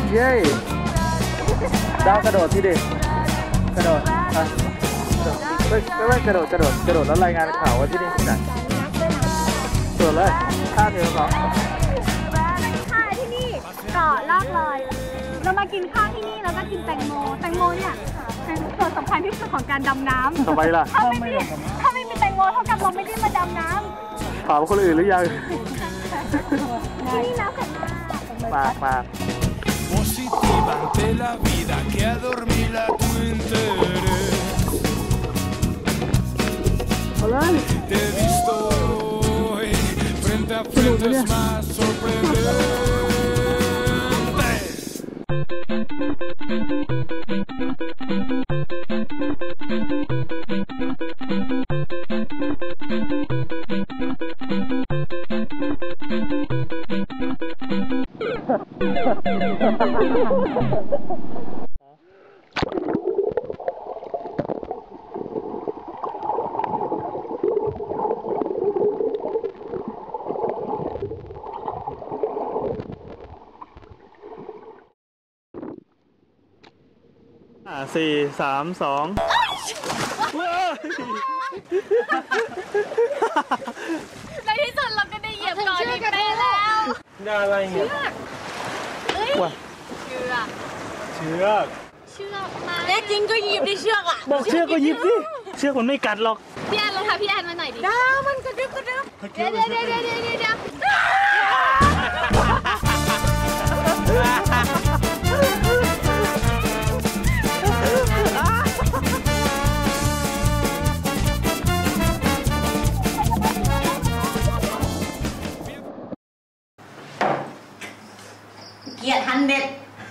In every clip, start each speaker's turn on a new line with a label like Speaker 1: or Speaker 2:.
Speaker 1: เย้ดาวกระโดดที่ดิกระโดดอ่ะไม่กระโดดแล้วรายงานข่าวว่าที่นี่ที่ไหนกระโดดเลยท่าเดียวก่อน
Speaker 2: ค่ะที่นี่เกาะลากลอยเรามากินข้าวที่นี่แล้วก็กินแตงโมเนี่ยเป็นส่วนสำคัญที่สุดของการดำน้ำ
Speaker 1: ทำไมล่ะ
Speaker 2: ถ้าไม่มีแตงโมเท่ากับเราไม่ได้มาดำน้ำ
Speaker 1: ถามคนอื่นหรือยัง
Speaker 2: ที่นี่น้ำแข็ง
Speaker 1: มาก
Speaker 3: Positiva ante la vida que adormila tu interés. Te he visto hoy frente a frente es más sorprendente.
Speaker 1: 4 3 2
Speaker 2: ในที่สุดเราก็ได้เหยียบก่อนอีกแล้ว
Speaker 1: ได้อะไรเนี่ยเชือก
Speaker 2: มาแน่จริงก็หยิบได้เชือกอ่ะ
Speaker 1: บอกเชือกก็หยิบสิเชือกมันไม่กัดหรอก
Speaker 2: พี่แอนลองทำพี่แอนมาหน่อยดิได้มันกระดึ๊บเดี๋ยวเกียรติฮันเด็ด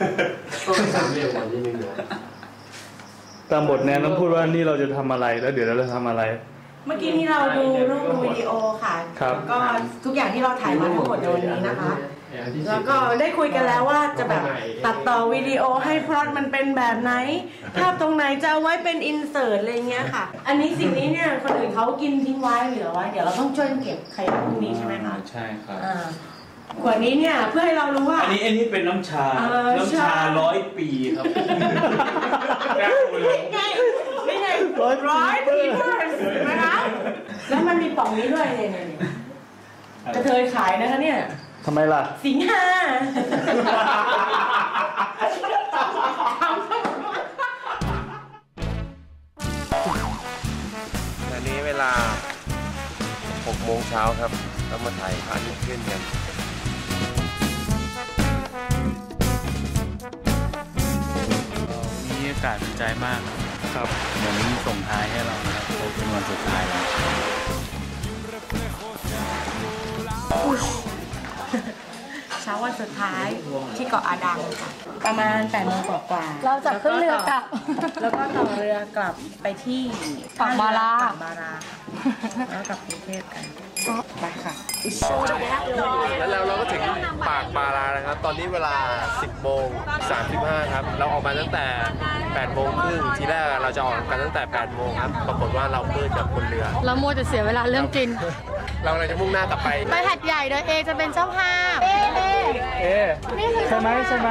Speaker 1: ตามบทแนนต้องพูดว่านี่เราจะทำอะไรแล้วเดี๋ยวเราจะทำอะไร
Speaker 4: เมื่อกี้นี้เราดูรูปวิดีโอค่ะแล้วก็ทุกอย่างที่เราถ่ายมาทั้งหมดในวันนี้นะคะแล้วก็ได้คุยกันแล้วว่าจะแบบตัดต่อวิดีโอให้พล็อตมันเป็นแบบไหนภาพตรงไหนจะเอาไว้เป็นอินเสิร์ตอะไรเงี้ยค่ะอันนี้สิ่งนี้เนี่ยคนอื่นเขากินทิ้งไว้เหลือไว้เดี๋ยวเราต้องช่วยเก็บใครพรุ่งนี้ใช่ไหมคะ
Speaker 1: ใช่ครับ
Speaker 4: ขวดนี้เนี่ยเพื่อให้เรารู้ว่า
Speaker 1: อันนี้เป็นน้ำชา100 ปีครับ
Speaker 4: ไม่ไง100 ปีนะคะแล้วมันมีป่องนี้ด้วยเนี่ยกระเทยขายนะคะเนี่ย
Speaker 1: ทำไมล่ะ
Speaker 4: สิงหา
Speaker 5: ตอนนี้เวลา 6 โมงเช้าครับเรามาถ่ายพระอาทิตย์ขึ้นกัน
Speaker 1: มีอากาศเป็นใจมากครับเหมือนส่งท้ายให้เรานะครับเป็นวันสุดท้ายแล้ว
Speaker 4: เช้าวันสุดท้ายที่เกาะอาดังค่ะประมาณ 8 โมงกว่า
Speaker 2: เราจะขึ้นเรือกลับ
Speaker 4: แล้วก็ต่อเรือกลับไปที่
Speaker 2: ปากบารา
Speaker 4: แล้วกลับกรุงเทพกันไปค่ะ
Speaker 5: แล้วเราก็ถึงปากบารานะครับตอนนี้เวลา 10 โมง 35ครับเราออกมาตั้งแต่ 8 โมงครึ่งทีแรกเราจะออกกันตั้งแต่ 8 โมงครับปรากฏว่าเราเพิ่งจากบนเรือ
Speaker 2: เรามัวแต่เสียเวลาเรื่องกิน
Speaker 5: เราเลยจะมุ่งหน้ากลับไป
Speaker 2: หัดใหญ่โดยเอจะเป็นเจ้าภาพ
Speaker 1: ใช่ไหมใช่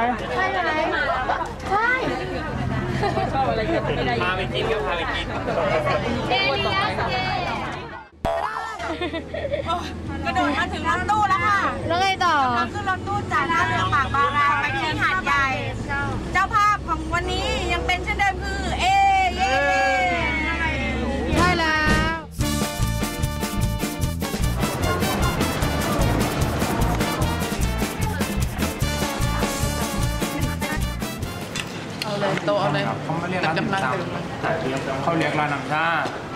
Speaker 5: พาไปกินก็พาไปกิน
Speaker 2: เลี้ยง
Speaker 4: กระโดดมาถึงรถตู้แล้วค่ะ
Speaker 2: แล้วไงต่อ
Speaker 4: ขึ้นรถตู้จากท่าเรือปากบาราไปที่หาดใหญ่เจ้าภาพของวันนี้ยังเป็นเช่นเดิมคือเย้
Speaker 2: ใช่แล้ว
Speaker 6: เอาเลยโตเอาเลย
Speaker 7: เขาไม่เรียกร้านน้ำชาเขาเรียกร้านน้ำชา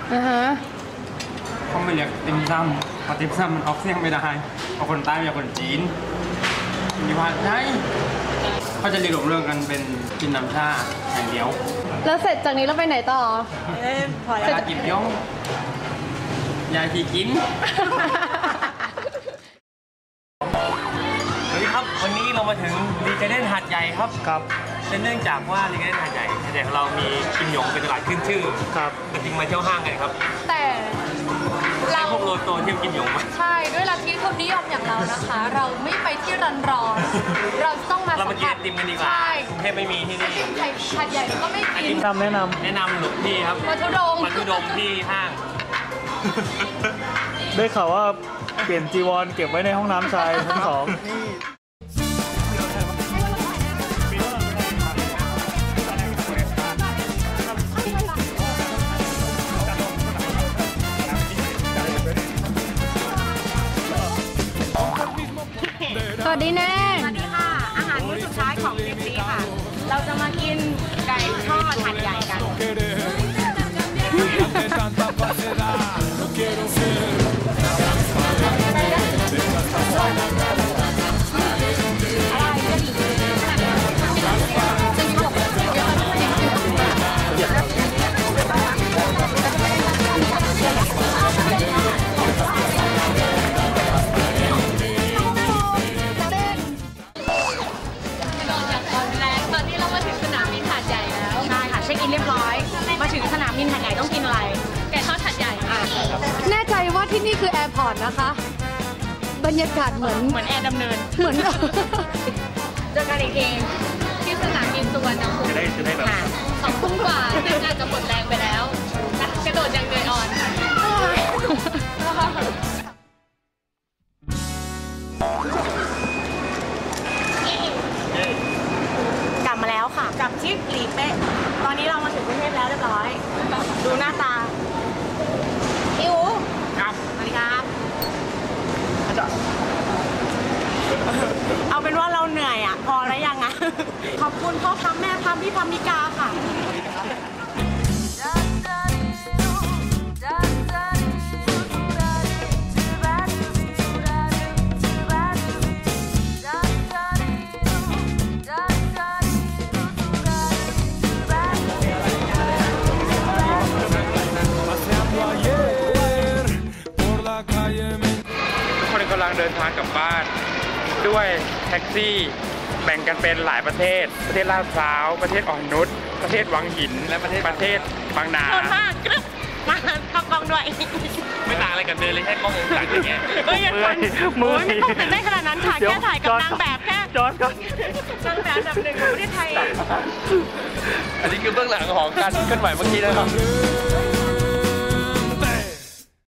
Speaker 7: เขาไม่เรียกติมซ้ำเพราะติมซ้ำมันออกเสียงไม่ได้เพราะคนใต้เป็นคนจีนมีว่าใช่เขาจะเรียกเรื่องกันเป็นกินน้ำชาอย่างเดียว
Speaker 2: แล้วเสร็จจากนี้เราไปไหนต่อ
Speaker 7: ยาจิบย่องยาที่กิน
Speaker 5: สวัสดีครับวันนี้เรามาถึงรีเจเดนหาดใหญ่ครับเนื่องจากว่ารีเจเดนหาดใหญ่ของเรามีกิมหยงเป็นตลาดขึ้นชื่อครับจริงมาเที่ยวห้างกันครับ
Speaker 2: แต่เรา
Speaker 5: พวกโลโตเที่ยวกิมหยงมา
Speaker 2: ใช่ด้วยลัทธิทุนนิยมอย่างเรานะคะเราไม่ไปที่ร้อนเราต้องมา
Speaker 5: สัมผัส
Speaker 2: ติมกันดีกว่าใช่
Speaker 7: บไม่มีที่นี่
Speaker 2: ไข่ผัดใหญ่ก็ไม่กิน
Speaker 1: แนะน
Speaker 7: แนะนำหลวงพี่ครับ
Speaker 2: มาทุดง
Speaker 7: มาทุดงที่ห้าง
Speaker 1: ำได้ข่าวว่าเปลี่ยนจีวรเก็บไว้ในห้องน้ำชายชั้น 2
Speaker 2: สวัสดีแน่สวัสดีค่ะ อาหารมื้อสุดท้ายของทริปนี้ค่ะ เราจะมากินไก่ทอดหัดใหญ่กัน
Speaker 3: De tanta falsedad, no quiero ser.
Speaker 2: แน่ใจว่าที่นี่คือแอร์พอร์ตนะคะ บรรยากาศเหมือนแอร์ดำเนิน เหมือนเจอกันอีกทีที่สนามบินสุวรรณภูมิจะได้แบบ2 ทุ่มกว่าซึ่งอาจจะหมดแรงไปแล้วกระโดดอย่างเหนื่อยอ่อน
Speaker 4: กลับมาแล้วค่ะกลับที่หลีเป๊ะตอนนี้เรามาถึงกรุงเทพแล้วเรียบร้อย ดูหน้าตาอิ๋วครับสวัสดีครับเอาเป็นว่าเราเหนื่อยอ่ะพอแล้วยังอ่ะขอบคุณพ่อพัมแม่พัมพี่พัมมิกาค่ะ
Speaker 7: กำลังเดินทางกลับบ้านด้วยแท็กซี่แบ่งกันเป็นหลายประเทศลาดพร้าวประเทศอ่อนนุชประเทศวังหินและประเทศบางนา
Speaker 4: โทษมากกรึ๊บมาเข้ากล้องด้วย
Speaker 7: ไม่ต่างอะไรกับเดินเลยแค่กล้ององศาอย่างเงี้ย
Speaker 4: มือไม่ต้องตื่นได้ขนาดนั้นค่ะแค่ถ่ายกับนางแบบแค่
Speaker 1: จอดก่อน
Speaker 4: นางแบบอันดับ 1ของประเทศไทย
Speaker 5: อันนี้คือเบื้องหลังของการเคลื่อนไหวเมื่อกี้นะครับ